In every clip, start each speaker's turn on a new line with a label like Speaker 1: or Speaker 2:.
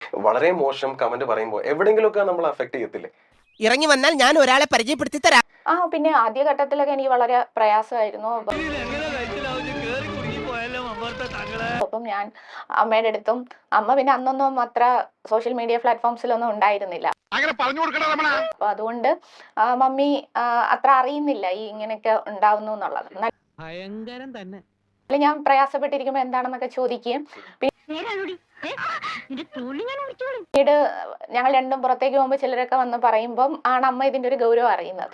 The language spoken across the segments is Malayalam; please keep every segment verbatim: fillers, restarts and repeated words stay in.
Speaker 1: വളരെ മോശം കമന്റ് പറയുമ്പോൾ എവിടെയെങ്കിലുമൊക്കെ നമ്മൾ അഫക്ട് ചെയ്യത്തില്ലേ?
Speaker 2: ഇറങ്ങി വന്നാൽ ഞാൻ ഒരാളെ പരിചയപ്പെടുത്തി തരാം.
Speaker 3: ആ പിന്നെ ആദ്യഘട്ടത്തിലൊക്കെ എനിക്ക് വളരെ പ്രയാസമായിരുന്നു. അപ്പം ഞാൻ അമ്മയുടെ അടുത്തും, അമ്മ പിന്നെ അന്നൊന്നും അത്ര സോഷ്യൽ മീഡിയ പ്ലാറ്റ്ഫോംസിലൊന്നും ഉണ്ടായിരുന്നില്ല. അപ്പൊ അതുകൊണ്ട് മമ്മി അത്ര അറിയുന്നില്ല ഈ ഇങ്ങനെയൊക്കെ ഉണ്ടാവുന്നു എന്നുള്ളത്.
Speaker 2: ഭയങ്കരം തന്നെ.
Speaker 3: ഞാൻ പ്രയാസപ്പെട്ടിരിക്കുമ്പോ എന്താണെന്നൊക്കെ ചോദിക്കുകയും പിന്നീട് ഞങ്ങൾ രണ്ടും പുറത്തേക്ക് പോകുമ്പോ ചിലരൊക്കെ വന്ന് പറയുമ്പം ആണ് അമ്മ ഇതിന്റെ ഒരു ഗൗരവം അറിയുന്നത്.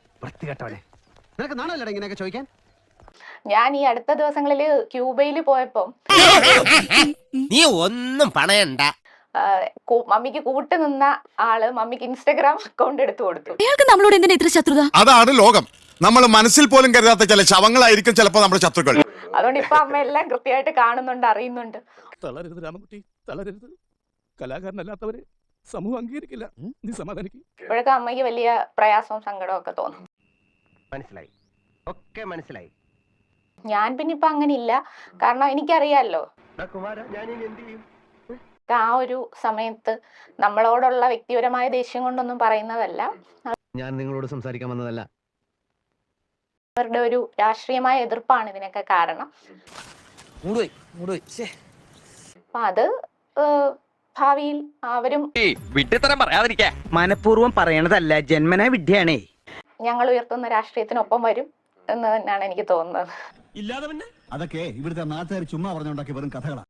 Speaker 3: ഞാൻ ഈ അടുത്ത ദിവസങ്ങളില് ക്യൂബയിൽ പോയപ്പോ
Speaker 2: നീ ഒന്നും പണയണ്ട.
Speaker 3: മമ്മിക്ക് കൂട്ട് നിന്ന ആള് മമ്മിക്ക് ഇൻസ്റ്റഗ്രാം അക്കൗണ്ട് എടുത്തു കൊടുത്തു.
Speaker 4: നമ്മളോട് എന്തിനാ ഇത്ര ശത്രുത?
Speaker 5: അതാണ് ലോകം. നമ്മൾ മനസ്സിൽ പോലും കരുതാത്ത ചില ശവങ്ങളായിരിക്കും ചിലപ്പോ നമ്മുടെ ശത്രുക്കൾ.
Speaker 3: അതുകൊണ്ട് ഇപ്പൊ അമ്മ എല്ലാം കൃത്യമായിട്ട് കാണുന്നുണ്ട്, അറിയുന്നുണ്ട്.
Speaker 6: തളരരുത് രാമൻകുട്ടി, തളരരുത്. കലാകാരനല്ലാത്തവരെ സമൂഹം അംഗീകരിക്കില്ല. നീ സമാധാനിക്കും.
Speaker 3: ഇപ്പോഴൊക്കെ അമ്മയ്ക്ക് വലിയ പ്രയാസവും സങ്കടവും ഒക്കെ തോന്നും.
Speaker 2: മനസ്സിലായി, ഒക്കെ മനസ്സിലായി.
Speaker 3: ഞാൻ പിന്നെ ഇപ്പൊ അങ്ങനെ ഇല്ല, കാരണം എനിക്കറിയാലോ ആ ഒരു സമയത്ത് നമ്മളോടുള്ള വ്യക്തിപരമായ ദേഷ്യം കൊണ്ടൊന്നും പറയുന്നതല്ല,
Speaker 7: ഞാൻ നിങ്ങളോട് സംസാരിക്കാൻ വന്നതല്ല.
Speaker 3: അവരുടെ ഒരു രാഷ്ട്രീയമായ എതിർപ്പാണ് ഇതിനൊക്കെ കാരണം. അപ്പൊ അത് ഭാവിയിൽ അവരും
Speaker 8: മനഃപൂർവ്വം പറയണതല്ല, ജന്മനാ വിദ്യയാണേ.
Speaker 3: ഞങ്ങൾ ഉയർത്തുന്ന രാഷ്ട്രീയത്തിനൊപ്പം വരും എന്ന് തന്നെയാണ് എനിക്ക് തോന്നുന്നത്.
Speaker 6: ഇല്ലാതെ
Speaker 9: അതൊക്കെ ഇവിടുത്തെ നാട്ടുകാർ ചുമ്മാ പറഞ്ഞുണ്ടാക്കി വെറും കഥകളാണ്.